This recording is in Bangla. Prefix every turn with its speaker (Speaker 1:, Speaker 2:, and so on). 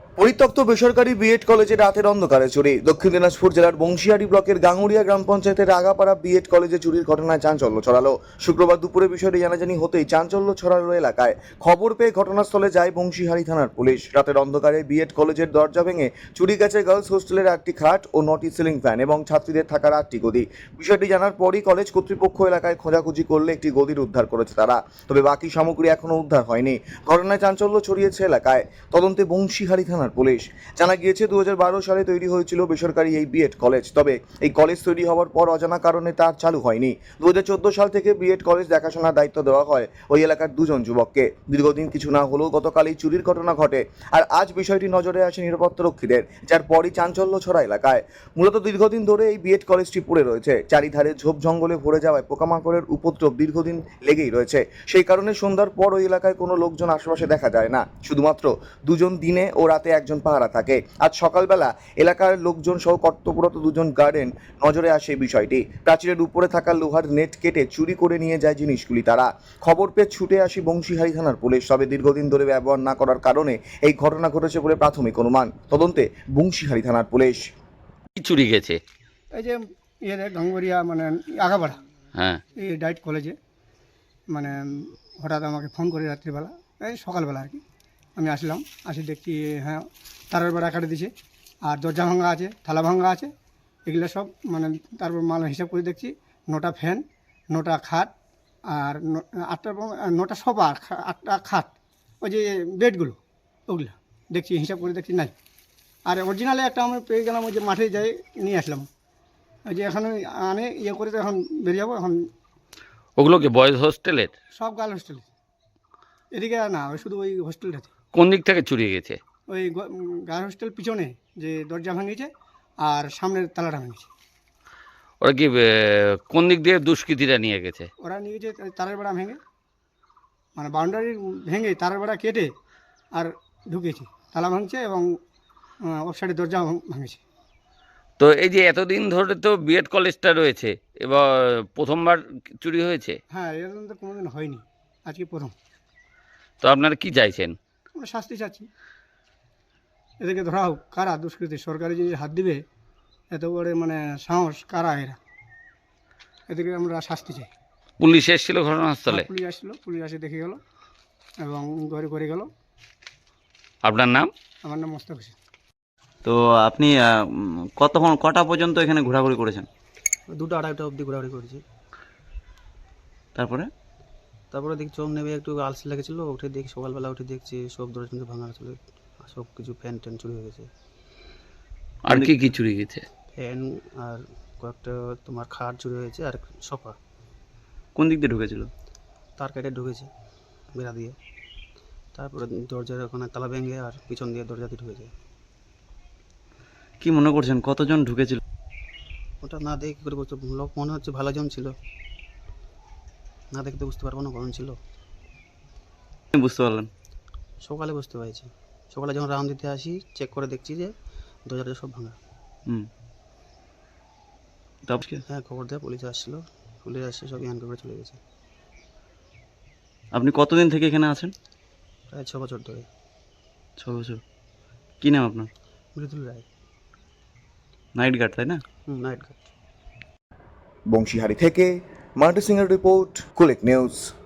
Speaker 1: পরিত্যক্ত বেসরকারি বিএড কলেজে রাতের অন্ধকারে চুরি। দক্ষিণ দিনাজপুর জেলার বংশিয়ারি ব্লকের গাঙ্গুড়িয়া গ্রাম পঞ্চায়েতের আগাপাড়া বিএড কলেজে চুরির ঘটনায় চাঞ্চল্য ছড়ালো। শুক্রবার দুপুরে বিষয়টি জানাজানি হতেই চাঞ্চল্য ছড়ালো এলাকায়। খবর পেয়ে ঘটনাস্থলে যায় বংশীহারি থানার পুলিশ। রাতের অন্ধকারে বিএড কলেজের দরজা ভেঙে চুরি গেছে গার্লস হোস্টেলের 8টি খাট ও 9টি সিলিং ফ্যান এবং ছাত্রীদের থাকার 8টি গদি। বিষয়টি জানার পরই কলেজ কর্তৃপক্ষ এলাকায় খোঁজাখুঁজি করলে একটি গদির উদ্ধার করেছে তারা, তবে বাকি সামগ্রী এখনও উদ্ধার হয়নি। ঘটনায় চাঞ্চল্য ছড়িয়েছে এলাকায়। তদন্তে বংশীহারি থানার পুলিশ। জানা গিয়েছে 2012 সালে তৈরি হয়েছিল বেসরকারি এই বিএড কলেজ, তবে এই কলেজ তৈরি হওয়ার পর অজানা কারণে তার চালু হয়নি। 2014 সাল থেকে বিএড কলেজ দেখাশোনার দায়িত্ব দেওয়া হয় ওই এলাকার দুজন যুবককে। দীর্ঘদিন কিছু না হলেও গতকাল এই চুরির ঘটনা ঘটে, আর আজ বিষয়টি নজরে আসে নিরাপত্তারক্ষীদের, যার পরই চাঞ্চল্য ছড়া এলাকায়। মূলত দীর্ঘদিন ধরে এই বিএড কলেজটি পড়ে রয়েছে। চারিধারে ঝোপ জঙ্গলে ভরে যাওয়ায় পোকামাকড়ের উপদ্রব দীর্ঘদিন লেগেই রয়েছে। সেই কারণে সন্ধ্যার পর ওই এলাকায় কোনো লোকজন আশেপাশে দেখা যায় না, শুধুমাত্র দুজন দিনে ও রাতে একজন পাহারা থাকে। আজ সকালবেলা এলাকার লোকজন সহ কর্তব্যরত দুজন গার্ডেন নজরে আসে বিষয়টি। প্রাচীরের উপরে থাকা লোহার নেট কেটে চুরি করে নিয়ে যায় জিনিসগুলি তারা। খবর পেয়ে ছুটে আসি বংশীহারি থানার পুলিশ, তবে দীর্ঘদিন ধরে ব্যবহার না করার কারণে এই ঘটনা ঘটেছে বলে প্রাথমিক অনুমান। তদন্তে বংশীহারি থানার পুলিশ।
Speaker 2: কি চুরি গেছে?
Speaker 3: এই যে গাঙ্গুরিয়া মানে আগাপাড়া
Speaker 2: হ্যাঁ,
Speaker 3: এই ডাইট কলেজে মানে হঠাৎ আমাকে ফোন করে রাত্রিবেলা, এই সকালবেলা আর কি আমি আসলাম। আসি দেখছি হ্যাঁ তারের বেড়া কাটে দিছে, আর দরজা ভাঙা আছে, থালা ভাঙা আছে, এগুলো সব মানে। তারপর মাল হিসাব করে দেখছি 9টা ফ্যান, 9টা খাট, আর 9টা সোফা, 8টা খাট, ওই যে বেডগুলো ওগুলো দেখছি, হিসাব করে দেখছি নাই। আর অরিজিনালে একটা আমি পেয়ে গেলাম, ওই যে মাঠে যাই নিয়ে আসলাম। ওই যে এখন আনে ইয়ে করে তো এখন বেরিয়ে যাবো। এখন
Speaker 2: ওগুলো কি বয়েজ হোস্টেলের?
Speaker 3: সব গার্ল হোস্টেলে, এদিকে না, ওই শুধু ওই হোস্টেলটাতে।
Speaker 2: কোন দিক থেকে চুরি গেছে?
Speaker 3: ওই গার্ল হোস্টেল পিছনে যে দরজা ভাঙিয়েছে আর সামনের তালাটা ভাঙিয়েছে।
Speaker 2: ওরা কি কোন দিক দিয়ে দুষ্কৃতীরা নিয়ে গেছে?
Speaker 3: ওরা নিয়ে গেছে তারের বেড়া ভেঙে, মানে বাউন্ডারি ভেঙে তারের বেড়া কেটে আর ঢুকেছে, তালা ভাঙছে এবং ওর সাইডে দরজা ভাঙেছে।
Speaker 2: তো এই যে এতদিন ধরে তো বিএড কলেজটা রয়েছে, এবার প্রথমবার চুরি হয়েছে,
Speaker 3: হ্যাঁ, এরকম তো কোনোদিন হয়নি, আজকে প্রথম।
Speaker 2: তো আপনারা কি চাইছেন?
Speaker 3: আমরা শাস্তি চাচ্ছি, এদেরকে ধরা হোক। কারা দুষ্কৃতী, সরকারি জিনিস হাত দিবে, এত বড় মানে সাহস কারা এরা? এদেরকে আমরা শাস্তি চাই।
Speaker 2: পুলিশ এসেছিল ঘটনাস্থলে?
Speaker 3: পুলিশ আসলো, পুলিশ এসে দেখে গেল এবং ঘরে করে গেল।
Speaker 2: আপনার নাম?
Speaker 3: আমার নাম মোস্তাক হোসেন।
Speaker 4: তো আপনি কটা পর্যন্ত এখানে ঘোরাঘুরি করেছেন?
Speaker 5: 2টা 2:30 অবধি ঘোরাঘুরি করেছি।
Speaker 4: তারপরে
Speaker 5: দেখি চোখ নেবে একটু আলসি লেগেছিলো, উঠে দেখি সকালবেলা উঠে দেখছি সব দরজা কিন্তু ভাঙা ছিল, সব কিছু ফ্যান ট্যান চুরি হয়ে গেছে।
Speaker 2: আর কি কি চুরি গেছে?
Speaker 5: ফ্যান আর কয়েকটা তোমার খাট চুরি হয়েছে, আর সোফা।
Speaker 4: কোন দিক দিয়ে ঢুকেছিল?
Speaker 5: তার কেটে ঢুকেছে বেড়া দিয়ে, তারপরে দরজার ওখানে তালা ভেঙে আর পিছন দিয়ে দরজা দিয়ে ঢুকেছে।
Speaker 4: কি মনে করছেন কতজন ঢুকেছিল?
Speaker 5: ওটা না দেখে কী করে বুঝতে, লোক মনে হচ্ছে ভালো জন ছিল, না দেখতে বুঝতে পারবো না কখন ছিল।
Speaker 4: বুঝতে পারলেন?
Speaker 5: সকালে বুঝতে পেরেছি, সকালে যখন রাউন্ড দিতে আসি চেক করে দেখছি যে দরজাটা সব ভাঙা।
Speaker 4: তারপর
Speaker 5: হ্যাঁ, খবর দেয়, পুলিশ আসছিল, পুলিশ আসছে, সব ইয়ান করে চলে গেছে।
Speaker 4: আপনি কতদিন থেকে এখানে আছেন?
Speaker 5: প্রায় 6 বছর ধরে।
Speaker 4: 6 বছর। কি নাম আপনার?
Speaker 5: মৃদুল রায়।
Speaker 4: নাইট গার্ড, তাই না?
Speaker 5: Night guard.
Speaker 1: বংশীহারি থেকে মার্টি সিংয়ের রিপোর্ট, কুলিক নিউজ।